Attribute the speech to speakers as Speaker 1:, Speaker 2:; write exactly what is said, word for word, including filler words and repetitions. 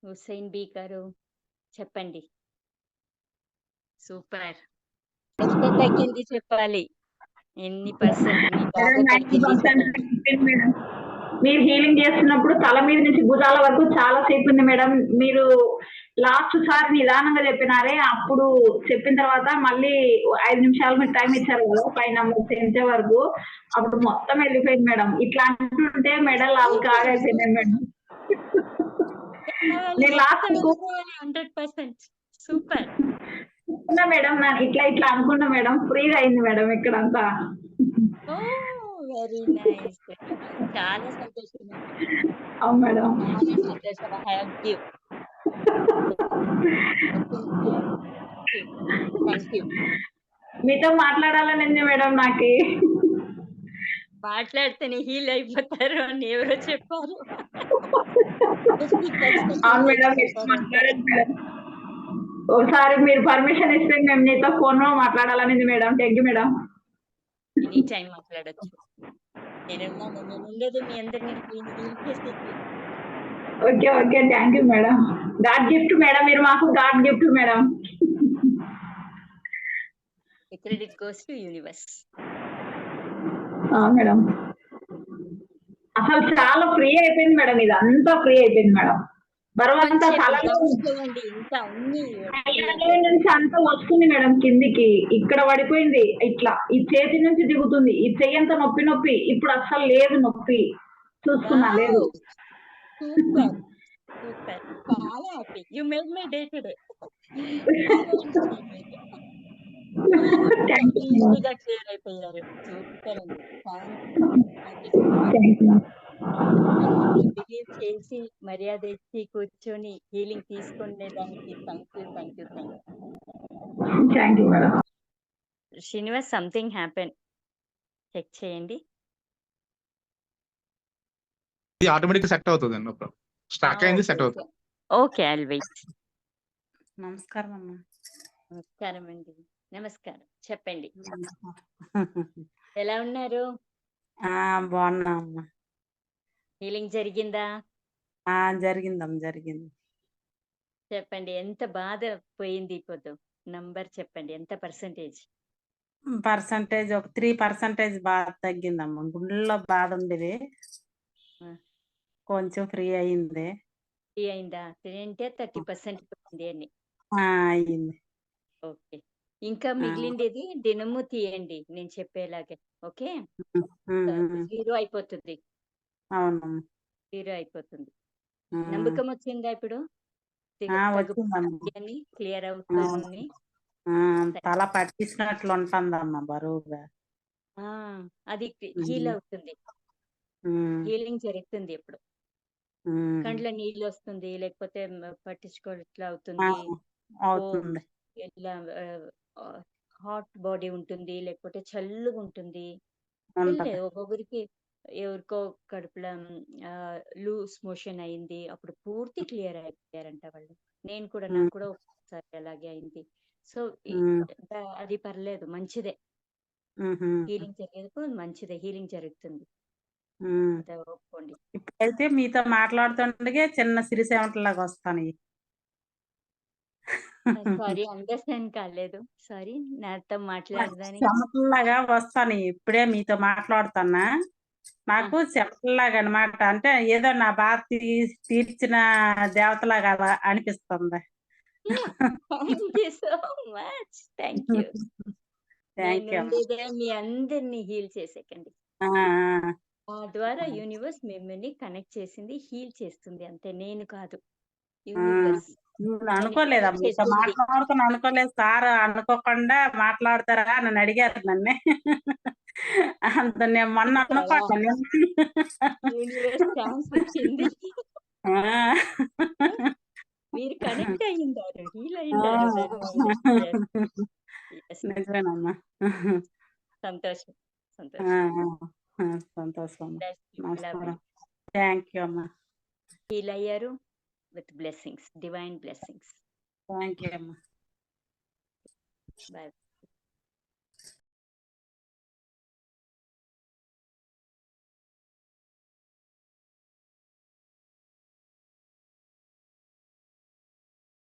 Speaker 1: Hussain B గారు చెప్పండి. Super. ఎంత తగ్గింది చెప్పాలి? ఎన్ని పర్సెంట్ మీ బాధ
Speaker 2: మేడం నైంటీ
Speaker 1: తగ్గింది
Speaker 2: పర్సెంట్
Speaker 1: చెప్పండి?
Speaker 2: తగ్గిపోయింది మేడం. మీరు హీలింగ్ చేస్తున్నప్పుడు తల మీద నుంచి భుజాల వరకు చాలా సేపు ఉంది మేడం. మీరు లాస్ట్ సారి నిదానంగా చెప్పినారే, అప్పుడు చెప్పిన తర్వాత మళ్ళీ ఐదు నిమిషాలు మీరు టైం ఇచ్చారు కదా ఫైవ్ నంబర్స్ ఎంచే వరకు, అప్పుడు మొత్తం వెళ్ళిపోయింది మేడం. ఇట్లా అంటుంటే మెడల్ అవి కాగైపోయినాయి మేడం.
Speaker 1: వెళ్ళిపోవాలి,
Speaker 2: నేను లాస్ట్
Speaker 1: మొత్తం వెళ్ళిపోవాలి హండ్రెడ్ పర్సెంట్. సూపర్.
Speaker 2: అనుకున్నా మేడం, నా ఇట్లా ఇట్లా అనుకున్నా మేడం, ఫ్రీగా అయింది మేడం ఇక్కడంతా.
Speaker 1: ఓ వెరీ నైస్, వెరీ నైస్. చాలా సంతోషం అండి.
Speaker 2: అవును మేడం.
Speaker 1: చాలా సంతోషం. I have give. Thank you.
Speaker 2: మీతో మాట్లాడాలని ఉంది మేడం నాకి.
Speaker 1: మాట్లాడితేనే హీల్ అయిపోతారు అని ఎవరో చెప్పారు.
Speaker 2: అవును మేడం, మీతో మాట్లాడండి మేడం. ఒకసారి మీరు పర్మిషన్ ఇస్తే మేము నీతో ఫోన్ లో మాట్లాడాలని ఉంది madam. Thank you madam.
Speaker 1: Any time మాట్లాడొచ్చు. నేనున్నాను. నేను ఉండేది మీ అందరిని హీల్ చేసేకి.
Speaker 2: Okay okay, thank you madam. God gift madam, మీరు మాకు god gift madam.
Speaker 1: Credit goes to universe.
Speaker 2: Madam అసలు చాలా ఫ్రీ అయిపోయింది మేడం, ఇది అంతా ఫ్రీ అయిపోయింది మేడం. బరువంతా తలలో
Speaker 1: ఇంకా అన్ని
Speaker 2: నుంచి అంతా వస్తుంది మేడం కిందికి, ఇక్కడ పడిపోయింది ఇట్లా, ఈ చేతి నుంచి దిగుతుంది, ఈ చెయ్యంతా నొప్పి నొప్పి, ఇప్పుడు అసలు లేదు నొప్పి, చూస్తున్నా లేదు.
Speaker 1: సూపర్ సూపర్, చాలా happy. You made my day today. ఈజీగా క్లియర్ అయిపోయారు. సూపర్ అండి. బిలీవ్ చేసి మర్యాద ఇచ్చి కూర్చొని హీలింగ్ తీసుకునే దానికి thank you thank you thank
Speaker 2: you madam.
Speaker 1: Srinivas, something happen, check చేయండి.
Speaker 3: ఇది ఆటోమేటిక్ సెట్ అవుతుంది అండి. స్టాక్ అయింది, సెట్ అవుతుంది.
Speaker 1: Okay, I'll wait.
Speaker 4: నమస్కారం అమ్మా.
Speaker 1: నమస్కారం అండి. నమస్కారం, చెప్పండి. ఎలా ఉన్నారు?
Speaker 4: బాగున్నా అమ్మా.
Speaker 1: హీలింగ్ జరిగిందా?
Speaker 4: జరిగిందమ్మా, జరిగింది.
Speaker 1: చెప్పండి, ఎంత బాధ పోయింది ఇప్పుడు? నంబర్ చెప్పండి, ఎంత పర్సెంటేజ్?
Speaker 4: పర్సంటేజ్ ఒక త్రీ పర్సెంటేజ్ బాధ తగ్గిందమ్మా. గుండెల్లో బాధ ఉండేది, కొంచెం ఫ్రీ అయింది.
Speaker 1: ఫ్రీ అయిందా? అంటే థర్టీ పర్సెంట్ పోయింది అని
Speaker 4: అయింది.
Speaker 1: ఓకే, ఇంకా మిగిలిండేది దినము తీయండి నేను చెప్పేలాగే. ఓకే, జీరో అయిపోతుంది.
Speaker 4: అవునమ్మా,
Speaker 1: జీరో అయిపోతుంది. నమ్మకం వచ్చిందా ఇప్పుడు? అని క్లియర్ అవుతుంది.
Speaker 4: తల పట్టించినట్లు ఉంటుందమ్మా బరువుగా.
Speaker 1: అది హీల్ అవుతుంది, హీలింగ్ జరుగుతుంది. ఇప్పుడు కండ్ల నీళ్ళు వస్తుంది, లేకపోతే పట్టించుకోవట్లా అవుతుంది, ఇలా హాట్ బాడీ ఉంటుంది, లేకపోతే చల్లుగా ఉంటుంది. ఒక్కొక్కరికి ఎవరికో కడుపులో లూస్ మోషన్ అయింది, అప్పుడు పూర్తి క్లియర్ అయిపోయారంట వాళ్ళు. నేను కూడా, నాకు కూడా ఒకసారి అలాగే అయింది. సో అది పర్లేదు, మంచిదే. హీలింగ్ జరిగేందుకు మంచిదే, హీలింగ్ జరుగుతుంది. ఒప్పుకోండి.
Speaker 4: ఇప్పుడైతే మీతో మాట్లాడుతుండగా చిన్న సిరిసేవటలాగా వస్తాను.
Speaker 1: సారీ, అండర్స్టాండ్ కాలేదు. సారీ, నాతో మాట్లాడదానికి
Speaker 4: చెమటలాగా వస్తాను. ఇప్పుడే మీతో మాట్లాడుతున్నా, నాకు చెమటలాగా అనమాట. అంటే ఏదో నా బాధ తీర్చిన దేవతలాగా అనిపిస్తుంది.
Speaker 1: Thank you so much. Thank you. మీ అందరినీ హీల్ చేసేకండి. ఆ ద్వారా యూనివర్స్ మిమ్మల్ని కనెక్ట్ చేసింది, హీల్ చేస్తుంది అంతే, నేను కాదు. యూనివర్స్
Speaker 4: అనుకోలేదా మీతో మాట్లాడుతున్నా, అనుకోలేదు. సార్ అనుకోకుండా మాట్లాడతారా నన్ను అడిగారు. నన్నే అంత నేను మొన్న అనుకోండి,
Speaker 1: ఛాన్స్ ఇచ్చింది. మీరు కనెక్ట్ అయ్యిందారు, హీల్ అయ్యిందారు.
Speaker 4: నిజమేనమ్మా.
Speaker 1: సంతోషం సంతోషం
Speaker 4: సంతోషం. థ్యాంక్ యూ అమ్మా.
Speaker 1: హీల్ అయ్యారు with blessings, divine blessings.
Speaker 4: Thank you అమ్మా.
Speaker 1: బాయ్.